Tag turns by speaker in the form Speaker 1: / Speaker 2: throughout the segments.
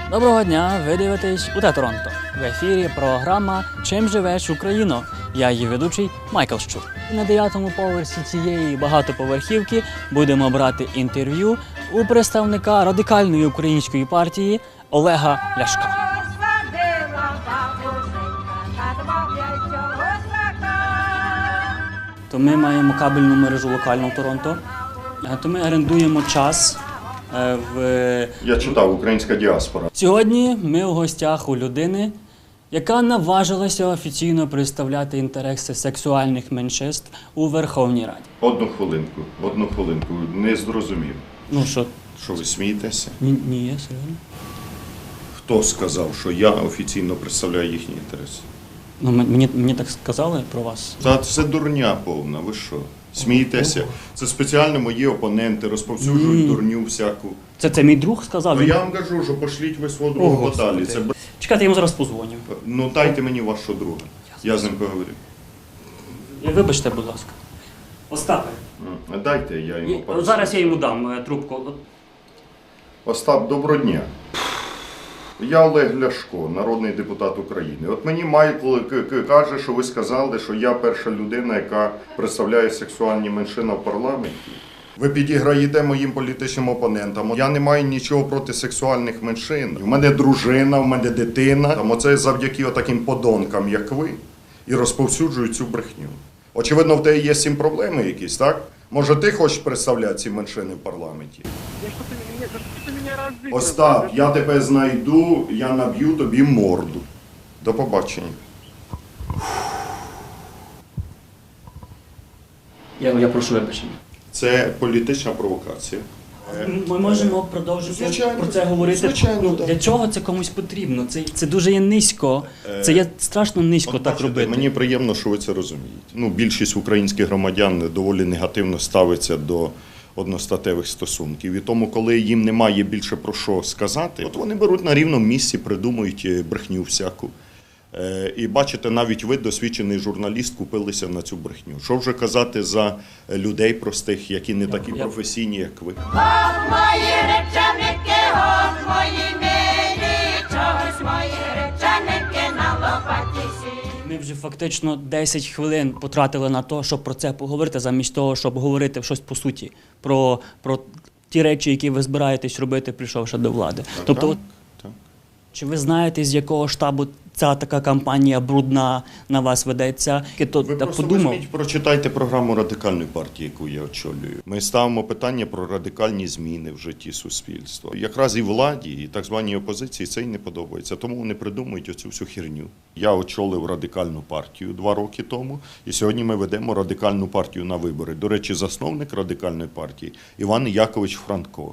Speaker 1: Доброго дня, ви дивитесь УТ Торонто. В ефірі програма «Чим живеш, Україно?». Я її ведучий Майкл Щур. На 9-му поверсі цієї багатоповерхівки будемо брати інтерв'ю у представника радикальної української партії Олега Ляшка. То ми маємо кабельну мережу локально в Торонто, то ми орендуємо час в...
Speaker 2: Я читав «Українська діаспора».
Speaker 1: Сьогодні ми у гостях у людини, яка наважилася офіційно представляти інтереси сексуальних меншинств у Верховній Раді.
Speaker 2: Одну хвилинку, не зрозумів.
Speaker 1: Ну що?
Speaker 2: Що ви смієтеся?
Speaker 1: Ні, я серйозно.
Speaker 2: Хто сказав, що я офіційно представляю їхні інтереси?
Speaker 1: Ну, мені так сказали про вас.
Speaker 2: Та це дурня повна, ви що? Смієтеся? Це спеціально мої опоненти розповсюджують дурню всяку.
Speaker 1: Це мій друг сказав?
Speaker 2: Ну я вам кажу, що пошліть ви свого друга подалі. Це...
Speaker 1: Чекайте, я йому зараз позвоню.
Speaker 2: Ну дайте мені вашого друга. Я з ним поговорю.
Speaker 1: Вибачте, будь ласка. Остапе.
Speaker 2: Дайте, я йому поговорю.
Speaker 1: Зараз я йому дам трубку.
Speaker 2: Остап, доброго дня. Я Олег Ляшко, народний депутат України. От мені Майкл каже, що ви сказали, що я перша людина, яка представляє сексуальні меншини в парламенті. Ви підіграєте моїм політичним опонентам. Я не маю нічого проти сексуальних меншин. У мене дружина, у мене дитина. Оце завдяки таким подонкам, як ви, і розповсюджують цю брехню. Очевидно, в тебе є з цим проблеми якісь, так? Може, ти хочеш представляти ці меншини в парламенті? Остап, я тебе знайду, я наб'ю тобі морду. До побачення.
Speaker 1: Я прошу вибачення.
Speaker 2: Це політична провокація.
Speaker 1: Ми можемо продовжити про це говорити.
Speaker 2: Звичайно, так.
Speaker 1: Для чого це комусь потрібно? Це дуже є низько. Це є страшно низько так
Speaker 2: бачите,
Speaker 1: робити.
Speaker 2: Мені приємно, що ви це розумієте. Більшість українських громадян доволі негативно ставиться до одностатевих стосунків. І тому, коли їм немає більше про що сказати, от вони беруть на рівному місці, придумують брехню всяку. І бачите, навіть ви, досвідчений журналіст, купилися на цю брехню. Що вже казати за людей простих, які не такі професійні, як ви?
Speaker 3: От мої речаники, от мої милі, чогось мої речаники на лопаті сі.
Speaker 1: Ми вже фактично 10 хвилин потратили на те, щоб про це поговорити, замість того, щоб говорити щось по суті, про ті речі, які ви збираєтесь робити, прийшовши до влади. Тобто,
Speaker 2: Так.
Speaker 1: чи ви знаєте, з якого штабу ця така кампанія брудна на вас ведеться?
Speaker 2: Ви просто візьміть, прочитайте програму Радикальної партії, яку я очолюю. Ми ставимо питання про радикальні зміни в житті суспільства. Якраз і владі, і так званій опозиції це й не подобається, тому вони придумують оцю всю херню. Я очолив Радикальну партію 2 роки тому, і сьогодні ми ведемо Радикальну партію на вибори. До речі, засновник Радикальної партії Іван Якович Франко.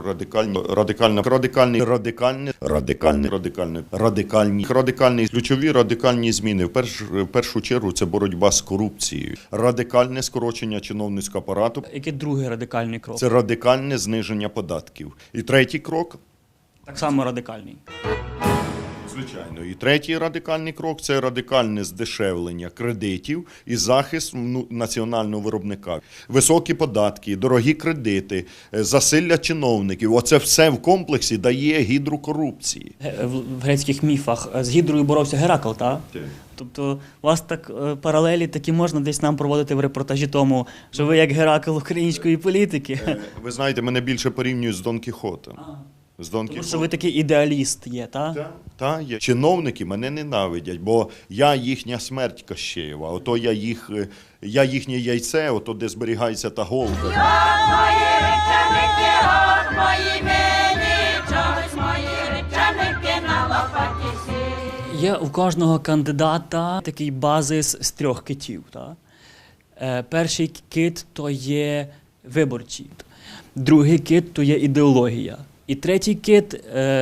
Speaker 2: Радикальні ключові радикальні зміни. В першу чергу це боротьба з корупцією, радикальне скорочення чиновницького апарату.
Speaker 1: Який другий радикальний крок?
Speaker 2: Це радикальне зниження податків. І третій крок.
Speaker 1: Так само радикальний.
Speaker 2: Звичайно. І третій радикальний крок – це радикальне здешевлення кредитів і захист національного виробника. Високі податки, дорогі кредити, засилля чиновників – оце все в комплексі дає гідру корупції.
Speaker 1: В грецьких міфах з Гідрою боровся Геракл, так?
Speaker 2: Так.
Speaker 1: Тобто у вас так паралелі такі можна десь нам проводити в репортажі тому, що ви як Геракл української політики.
Speaker 2: Ви знаєте, мене більше порівнюють з Дон Кіхотом.
Speaker 1: Тому що ви такий ідеаліст є, так?
Speaker 2: Так, є. Чиновники мене ненавидять, бо я їхня смерть Кощеєва, ото я їхнє яйце, ото де зберігається та голка.
Speaker 3: От мої речаники, от мої милі, чогось мої речаники на лопаті сі.
Speaker 1: Є у кожного кандидата такий базис з 3 китів. Так? Перший кит – то є виборці, другий кит – то є ідеологія. І третій кит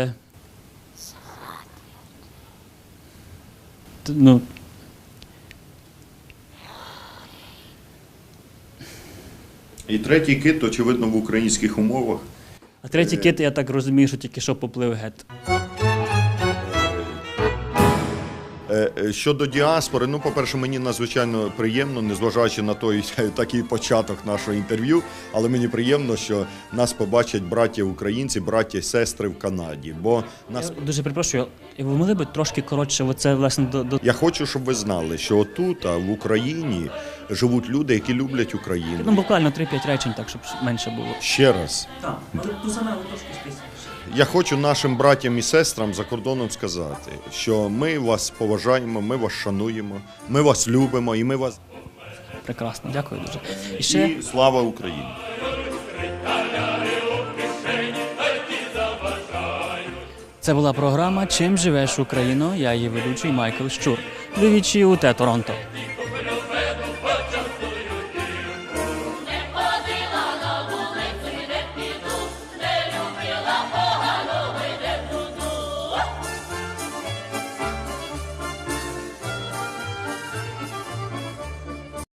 Speaker 2: І третій кит, очевидно, в українських умовах.
Speaker 1: А третій кит, я так розумію, що тільки що поплив гет.
Speaker 2: Щодо діаспори, ну, по-перше, мені надзвичайно приємно, незважаючи на той такий початок нашого інтерв'ю, але мені приємно, що нас побачать браття українці, браття і сестри в Канаді. Бо нас...
Speaker 1: Я дуже перепрошую, ви могли б трошки коротше, оце, власне, до...
Speaker 2: Я хочу, щоб ви знали, що отут, в Україні, живуть люди, які люблять Україну.
Speaker 1: Ну, буквально 3-5 речень, так, щоб менше було.
Speaker 2: Ще раз.
Speaker 1: Так, але ту саме трошки списуєш.
Speaker 2: Я хочу нашим братям і сестрам за кордоном сказати, що ми вас поважаємо, ми вас шануємо, ми вас любимо і ми вас...
Speaker 1: Прекрасно, дякую дуже. І ще...
Speaker 2: І слава Україні!
Speaker 1: Це була програма «Чим живеш, Україно?». Я її ведучий Майкл Щур. Двічі УТ Торонто.